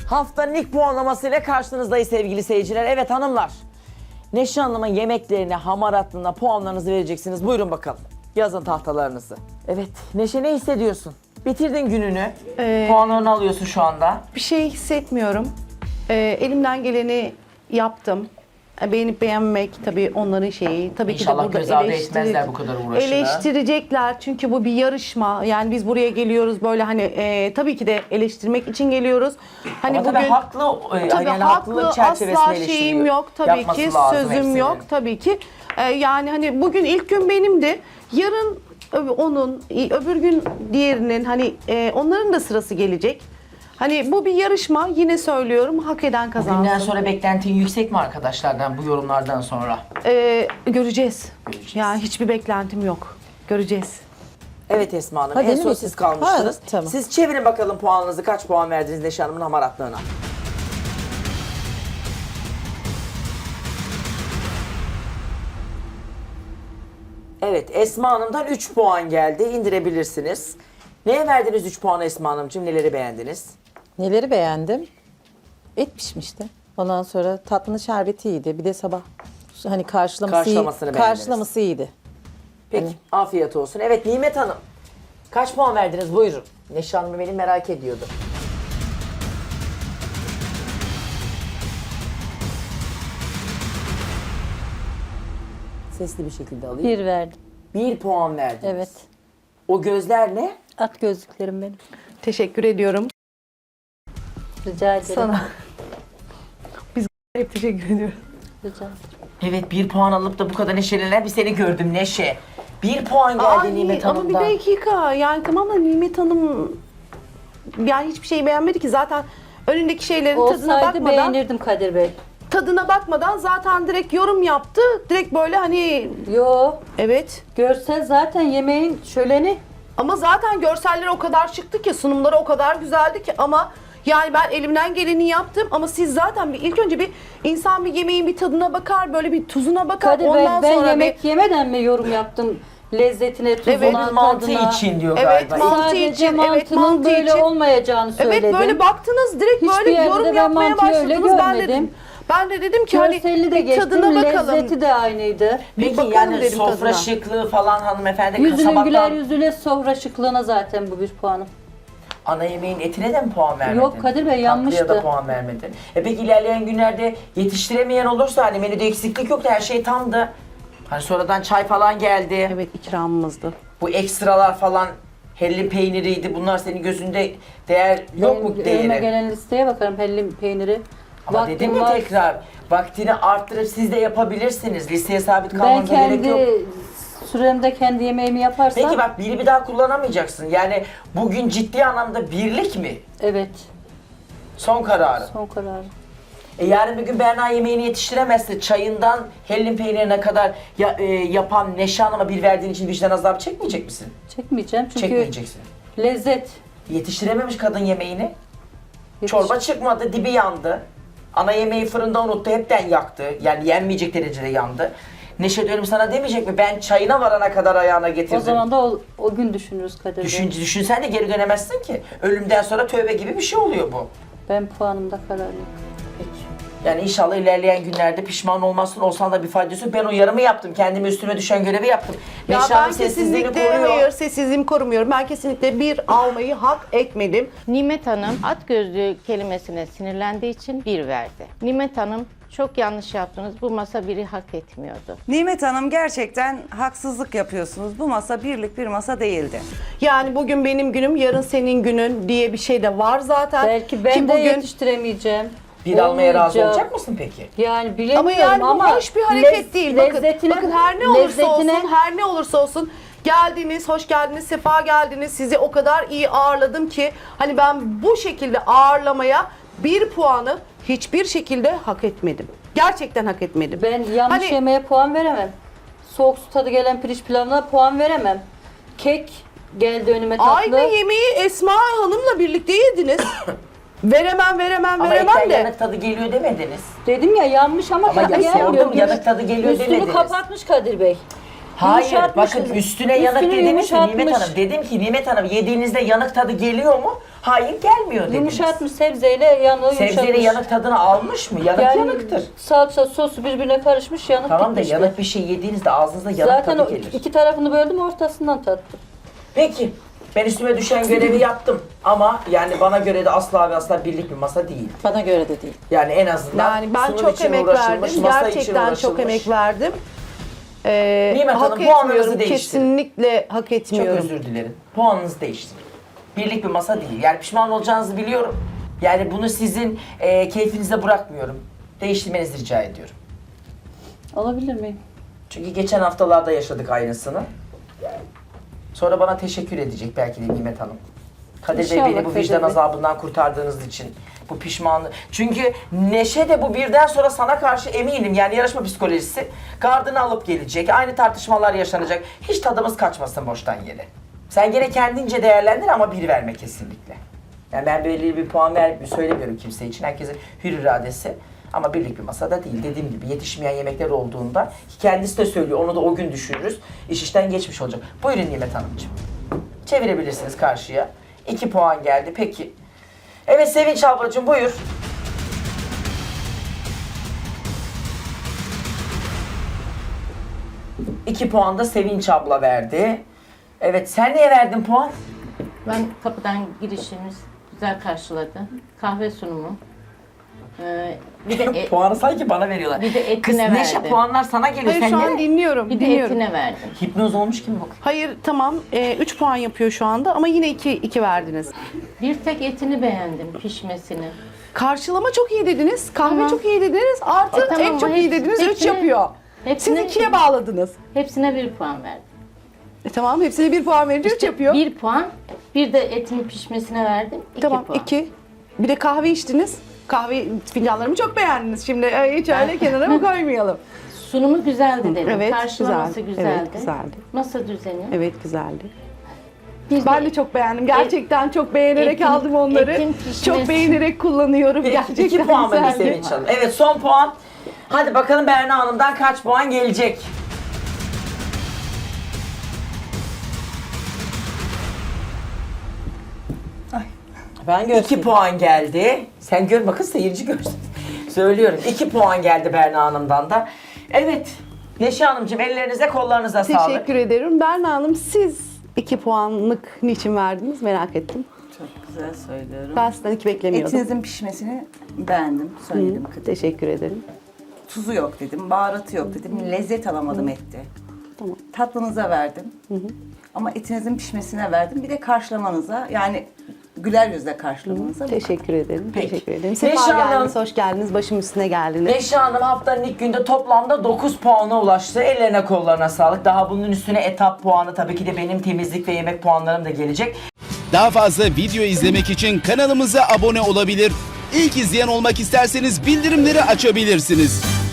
Haftanın ilk puanlamasıyla karşınızdayız sevgili seyirciler. Evet hanımlar, Neşe Hanım'ın yemeklerine, hamaratlığına puanlarınızı vereceksiniz. Buyurun bakalım. Yazın tahtalarınızı. Evet, Neşe ne hissediyorsun? Bitirdin gününü. Puanlarını alıyorsun şu anda. Bir şey hissetmiyorum. Elimden geleni yaptım. Beğenip beğenmek tabii onların şeyi. Tabii İnşallah ki de göz burada ardı etmezler bu kadar uğraşını. eleştirecekler çünkü bu bir yarışma. Yani biz buraya geliyoruz böyle hani tabii ki de eleştirmek için geliyoruz. Hani Ama bugün tabii haklı, tabii yani haklı, haklılık çerçevesinde asla eleştiriyor. şeyim yok tabii Yapması ki, lazım sözüm hepsinin. yok tabii ki. Yani hani bugün ilk gün benimdi. Yarın onun, öbür gün diğerinin hani onların da sırası gelecek. Hani bu bir yarışma, yine söylüyorum, hak eden kazansın. Bugünden sonra beklentin yüksek mi arkadaşlardan bu yorumlardan sonra? Göreceğiz. Yani hiçbir beklentim yok. Göreceğiz. Evet Esma Hanım, Hadi en son mi? siz kalmıştınız. Ha, tamam. Siz çevirin bakalım puanınızı, kaç puan verdiniz Neşe Hanım'ın hamaratlığına? Evet, Esma Hanım'dan 3 puan geldi. İndirebilirsiniz. Neye verdiniz 3 puanı Esma Hanımcığım? Neleri beğendiniz? Neleri beğendim? Et pişmişti. Ondan sonra tatlının şerbeti iyiydi. Bir de sabah hani Karşılamasını beğendiniz. karşılaması iyiydi. Peki, afiyet olsun. Evet, Nimet Hanım. Kaç puan verdiniz? Buyurun. Neşe Hanım beni merak ediyordu. Sesli bir şekilde alayım. Bir verdim. 1 puan verdiniz. Evet. O gözler ne? At gözlüklerim benim. Teşekkür ediyorum Rica ederim. sana. Biz hep teşekkür ediyoruz. Rica ederim. Evet, 1 puan alıp da bu kadar neşelenen bir seni gördüm Neşe. 1 puan geldi Ay, Nimet ama bir Hanım'dan. dakika, yani tamam da Nimet Hanım yani hiçbir şey beğenmedi ki zaten, önündeki şeylerin tadına Olsaydı bakmadan beğenirdim Kadir Bey. zaten direkt yorum yaptı. Direkt böyle hani Yo, evet. görsel zaten yemeğin şöleni. Ama zaten görseller o kadar şıktı ki, sunumları o kadar güzeldi ki, ama yani ben elimden geleni yaptım ama siz zaten ilk önce bir insan bir yemeğin bir tadına bakar, böyle bir tuzuna bakar. Kadir Bey, ondan ben sonra yemek yemeden mi yorum yaptım? Lezzetine, tuzuna, Evet, Mantı tadına. için diyor Evet, galiba. mantı Sadece için, evet, mantının mantı böyle için. olmayacağını söyledim. Evet, böyle baktınız direkt Hiçbir böyle yerde de yorum ben yapmaya mantıyı öyle başladınız. görmedim. Ben de dedim ki hani Görselli de bir tadına geçtim, bakalım. lezzeti de aynıydı. Peki bakalım yani dedim sofra tadına. şıklığı falan hanımefendi Yüzünün güler kasabaktan yüzüne, sofra şıklığına zaten bu bir puanım. ana yemeğin etine de mi puan vermedin? Yok Kadir Bey, yanlıştı. Tatlıya da puan vermedin. Peki ilerleyen günlerde yetiştiremeyen olursa hani menüde eksiklik yoktu, her şey tamdı. Hani sonradan çay falan geldi. Evet, ikramımızdı. Bu ekstralar falan, hellim peyniriydi. Bunlar senin gözünde değer yok mu Benim önüme değeri? gelen listeye bakarım, hellim peyniri. Ama Vaktim dedim ya var. tekrar, vaktini arttırıp siz de yapabilirsiniz. Listeye sabit Ben kalmanıza gerek yok. kendi süremde kendi yemeğimi yaparsam. Peki bak, biri bir daha kullanamayacaksın. Yani bugün ciddi anlamda birlik mi? Evet, Son kararı. son kararım. Yarın bir gün Berna yemeğini yetiştiremezse çayından hellim peynirine kadar yapan Neşe Hanım'a bir verdiğin için vicdan azabı çekmeyecek misin? Çekmeyeceğim çünkü Çekmeyeceksin. lezzet. Yetiştirememiş kadın yemeğini. Yetiş- Çorba çıkmadı, dibi yandı. Ana yemeği fırında unuttu, hepten yaktı. Yani yenmeyecek derecede yandı. Neşe dönüp sana demeyecek mi? Ben çayına varana kadar ayağına getirdim. O zaman da o gün düşünürüz Kadir Bey. Düşünsen de geri dönemezsin ki. Ölümden sonra tövbe gibi bir şey oluyor bu. Ben puanımda kararlıyım. Peki. Yani inşallah ilerleyen günlerde pişman olmazsın, olsan da bir faydası yok. Ben uyarımı yaptım, kendime üstüme düşen görevi yaptım. Ya Neşe ben Hanım sessizliğini kesinlikle koruyor. hayır, sessizliğimi korumuyorum. Ben kesinlikle bir almayı hak etmedim. Nimet Hanım at gözlü kelimesine sinirlendiği için bir verdi. Nimet Hanım çok yanlış yaptınız. Bu masa biri hak etmiyordu. Nimet Hanım, gerçekten haksızlık yapıyorsunuz. Bu masa birlik bir masa değildi. Yani bugün benim günüm, yarın senin günün diye bir şey de var zaten. Belki ben Ki de bugün yetiştiremeyeceğim. Bir almaya razı Olmayacak. olacak mısın peki? Yani bilemiyorum ama yani bu ama hoş bir hareket değil. Bakın, lezzetine- bakın her ne olursa lezzetine- olsun, her ne olursa olsun geldiniz, hoş geldiniz, sefa geldiniz. Sizi o kadar iyi ağırladım ki hani ben bu şekilde ağırlamaya bir puanı hiçbir şekilde hak etmedim. Gerçekten hak etmedim. ben yanlış Hani- yemeğe puan veremem. Soğuk su tadı gelen pirinç pilavına puan veremem. Kek geldi önüme tatlı. Aynı yemeği Esma Hanım'la birlikte yediniz. veremem Ama veremem etten de. yanık tadı geliyor demediniz. Dedim ya yanmış ama Ama tadı ya gelmiyor. sordum, yanık tadı geliyor Üstünü demediniz. kapatmış Kadir Bey. Hayır Yumuşatmış. bakın üstüne yanık Üstünü dediniz mi Nimet yumuşatmış. Hanım? Dedim ki Nimet Hanım yediğinizde yanık tadı geliyor mu? Hayır gelmiyor dediniz. Yumuşatmış sebzeyle yanığı Sebzenin yumuşatmış. yanık tadını almış mı? Yanık Yani yanıktır. salça sosu birbirine karışmış yanık Tamam da gitmişti. yanık bir şey yediğinizde ağzınızda yanık Zaten tadı o gelir. iki tarafını böldüm ortasından tattım. Peki ben üstüme düşen görevi yaptım ama yani bana göre de asla ve asla birlik bir masa değil. Bana göre de değil. Yani en azından Yani ben sunum çok için emek uğraşılmış, verdim. masa için Gerçekten çok uğraşılmış. emek verdim. Nimet Hak Hanım, puanınızı etmiyorum. değiştirin. Kesinlikle hak Çok etmiyorum. özür dilerim. Puanınızı değiştirin. Birlik bir masa değil. Yani pişman olacağınızı biliyorum. Yani bunu sizin keyfinize bırakmıyorum. Değiştirmenizi rica ediyorum. Alabilir miyim? Çünkü geçen haftalarda yaşadık aynısını. Sonra bana teşekkür edecek belki de Nimet Hanım. Kadir Bey İnşallah beni bu Kadir vicdan Bey. azabından kurtardığınız için. Bu pişmanlık. Çünkü Neşe de bu birden sonra sana karşı eminim yani yarışma psikolojisi gardını alıp gelecek. Aynı tartışmalar yaşanacak. Hiç tadımız kaçmasın boştan yere. Sen gene kendince değerlendir ama bir verme kesinlikle. Yani ben belirli bir puan söylemiyorum kimse için. Herkesin hür iradesi. Ama birlik bir masada değil. Dediğim gibi yetişmeyen yemekler olduğunda ki kendisi de söylüyor. Onu da o gün düşünürüz. İş işten geçmiş olacak. Buyurun Nimet Hanımcığım. Çevirebilirsiniz karşıya. 2 puan geldi. Peki. Evet Sevinç ablacığım buyur. İki puan da Sevinç abla verdi. Evet sen niye verdin puan? Ben kapıdan girişimiz güzel karşıladı. Kahve sunumu. Bir de Puanı sanki bana veriyorlar. Bir de etine Kız Neşe verdi. puanlar sana geliyor. Hayır Sen şu an nereye? dinliyorum. bir de dinliyorum. etine verdim. Hipnoz olmuş gibi bak. Hayır tamam 3 puan yapıyor şu anda ama yine 2 verdiniz. Bir tek etini beğendim, pişmesini. Karşılama çok iyi dediniz. Kahve Tamam. çok iyi dediniz. Artı Tamam, et çok iyi dediniz. 3 hepsine- yapıyor. Siz hepsine- 2'ye bağladınız. Hepsine 1 puan verdim. Tamam hepsine 1 puan verince 3 yapıyor. 1 puan, bir de etinin pişmesine verdim. 2 Tamam puan. 2. Bir de kahve içtiniz. Kahve fincanlarımı çok beğendiniz. Şimdi hiç öyle kenara mı koymayalım? Sunumu güzeldi dedim. Evet, Karşılaması güzel. güzeldi. Evet, güzeldi. Masa düzeni. Evet güzeldi. Bir Ben de çok beğendim. Gerçekten çok beğenerek etin- aldım onları. etin pişmesi- Çok beğenerek kullanıyorum. Peki, Gerçekten 2 puan mı güzeldi. Sevinç Hanım? Evet son puan. Hadi bakalım Berna Hanım'dan kaç puan gelecek? Ben 2 puan geldi. Sen gör bakın seyirci görsün. Söylüyorum 2 puan geldi Berna Hanım'dan da. Evet Neşe Hanımcığım ellerinize kollarınıza sağlık. Teşekkür ederim. Berna Hanım siz 2 puanlık niçin verdiniz merak ettim. Çok güzel söylüyorum. Ben sizden 2 beklemiyordum. Etinizin pişmesini beğendim, söyledim. Teşekkür ederim. Tuzu yok dedim, baharatı yok dedim, lezzet alamadım ette. Tamam. Tatlınıza verdim. Ama etinizin pişmesine verdim. Bir de karşılamanıza, yani güler yüzle karşılamanıza. Teşekkür ederim. Peki. Teşekkür ederim. Neşe Sefa Hanım. geldiniz, hoş geldiniz. Başım üstüne geldiniz. Neşe Hanım haftanın ilk günde toplamda 9 puana ulaştı. Ellerine kollarına sağlık. Daha bunun üstüne etap puanı tabii ki de benim temizlik ve yemek puanlarım da gelecek. Daha fazla video izlemek için kanalımıza abone olabilir. İlk izleyen olmak isterseniz bildirimleri açabilirsiniz.